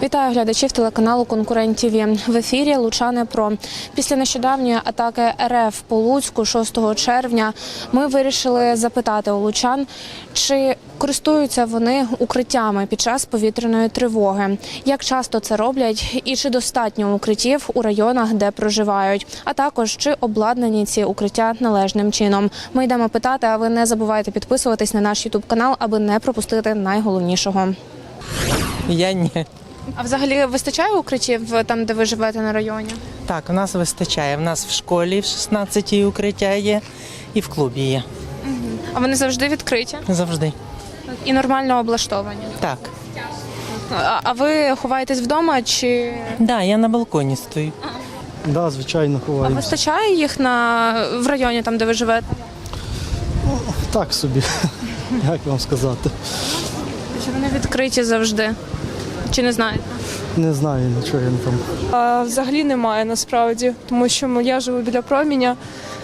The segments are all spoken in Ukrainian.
Вітаю глядачів телеканалу «Конкурент ТВ». В ефірі «Лучани Про». Після нещодавньої атаки РФ по Луцьку 6 червня ми вирішили запитати у лучан, чи користуються вони укриттями під час повітряної тривоги, як часто це роблять і чи достатньо укриттів у районах, де проживають, а також чи обладнані ці укриття належним чином. Ми йдемо питати, а ви не забувайте підписуватись на наш ютуб-канал, аби не пропустити найголовнішого. Я ні. А взагалі вистачає укриттів там, де ви живете на районі? Так, у нас вистачає. У нас в школі в 16-й укриття є і в клубі є. А вони завжди відкриті? Завжди. І нормально облаштовані? Так. А ви ховаєтесь вдома чи… Да, я на балконі стою. Да, звичайно, А ховаємося. вистачає їх в районі, там, де ви живете? Так собі, як вам сказати. Чи вони відкриті завжди? Чи не знаєте? Не знаю, нічого я не там. Взагалі немає насправді, тому що я живу біля Проміня,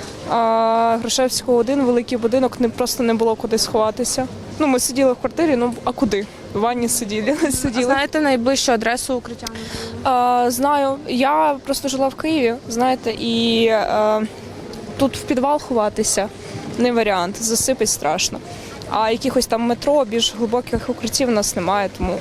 а Грушевського 1, великий будинок, просто не було куди сховатися. Ну, ми сиділи в квартирі, ну а куди? В ванні сиділи. А знаєте найближчу адресу укриття? Знаю, я просто жила в Києві, знаєте, і тут в підвал ховатися не варіант, засипить страшно. А якихось там метро, більш глибоких укриттів у нас немає, тому,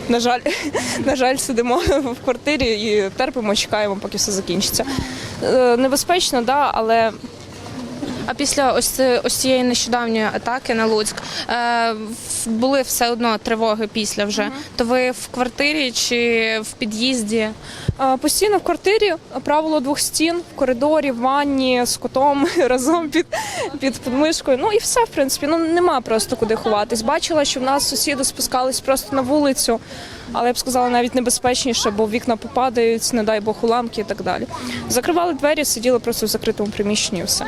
на жаль, сидимо в квартирі і терпимо, чекаємо, поки все закінчиться. Небезпечно, да, але… А після ось цієї нещодавньої атаки на Луцьк були все одно тривоги після вже. То ви в квартирі чи в під'їзді? Постійно в квартирі, правило 2 стін, в коридорі, в ванні, з котом разом під подмишкою. Ну і все, в принципі, ну нема просто куди ховатись. Бачила, що в нас сусіди спускались просто на вулицю, але я б сказала, навіть небезпечніше, бо вікна попадають, не дай Бог, уламки і так далі. Закривали двері, сиділи просто в закритому приміщенні і все.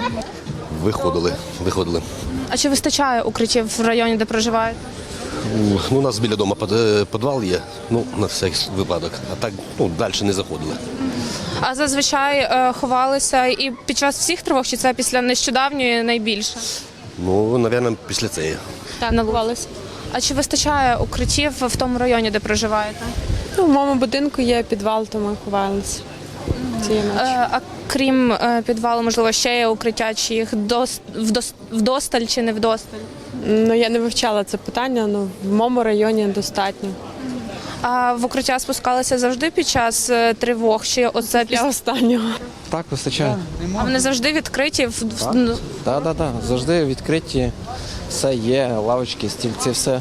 Виходили. А чи вистачає укриттів в районі, де проживаєте? Ну, у нас біля дому підвал є, ну, на всякий випадок. А так, далі не заходили. А зазвичай ховалися і під час всіх тривог, чи це після нещодавньої найбільше? Ну, мабуть, після цієї. Так, ховалися. А чи вистачає укриттів в тому районі, де проживаєте? Ну, в моєму будинку є підвал, то ми ховалися цієї ночі. А крім підвалу, можливо, ще є укриття, чи їх вдосталь чи не вдосталь? Ну, я не вивчала це питання, але в моєму районі достатньо. А в укриття спускалися завжди під час тривог? Чи оце Для останнього. Так, вистачає. А вони завжди відкриті? Так, завжди відкриті. Все є, лавочки, стільці, все.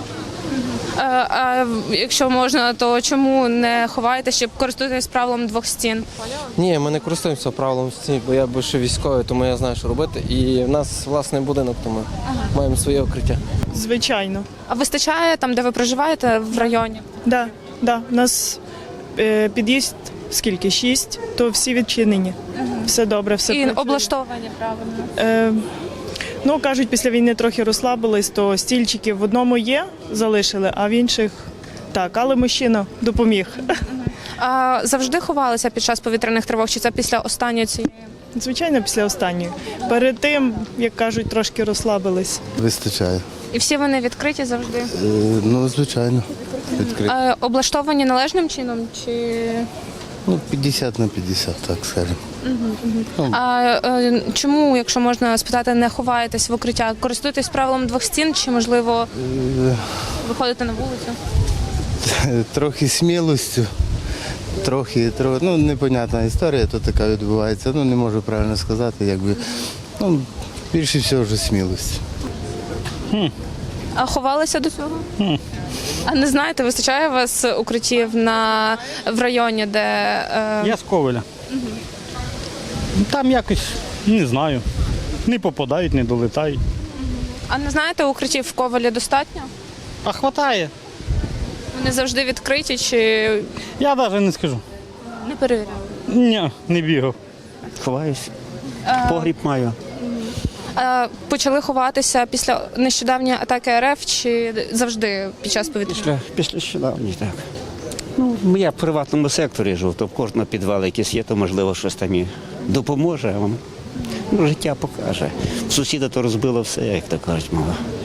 А якщо можна, то чому не ховаєте, щоб користуєтесь правилом 2 стін? Ні, ми не користуємося правилом стін, бо я більше військовий, тому я знаю, що робити. І в нас власний будинок, тому маємо своє укриття. Звичайно. А вистачає там, де ви проживаєте, в районі? Да. У нас під'їзд скільки? 6, то всі відчинені. Все добре, все І працює. облаштовані правильно? Ну, кажуть, після війни трохи розслабились, то стільчики в одному є, залишили, а в інших так. Але мужчина допоміг. А завжди ховалися під час повітряних тривог, чи це після останньої цієї? Звичайно, після останньої. Перед тим, як кажуть, трошки розслабились. Вистачає. І всі вони відкриті завжди? Ну, звичайно. Відкрито. Облаштовані належним чином? Чи… 50 на 50, так скажемо. А чому, якщо можна спитати, не ховаєтесь в укриття? Користуєтесь правилом 2 стін чи, можливо, виходите на вулицю? Трохи смілостю, трохи, непонятна історія тут така відбувається. Не можу правильно сказати, якби. Більше всього вже смілості. А ховалися до цього? А не знаєте, вистачає у вас укриттів в районі, де… Я з Ковеля. Там якось, не знаю, не попадають, не долетають. А не знаєте, укриттів в Ковелі достатньо? А хватає. Вони завжди відкриті чи Я навіть не скажу. не перевіряли? Ні, не бігав. Ховаюсь. Погріб маю. Почали ховатися після нещодавньої атаки РФ чи завжди під час повітряної? Після нещодавніх, так. Я в приватному секторі живу, то в кожного підвал якийсь є, то можливо щось там і допоможе. Життя покаже. Сусіда то розбило все, як то кажуть, мова.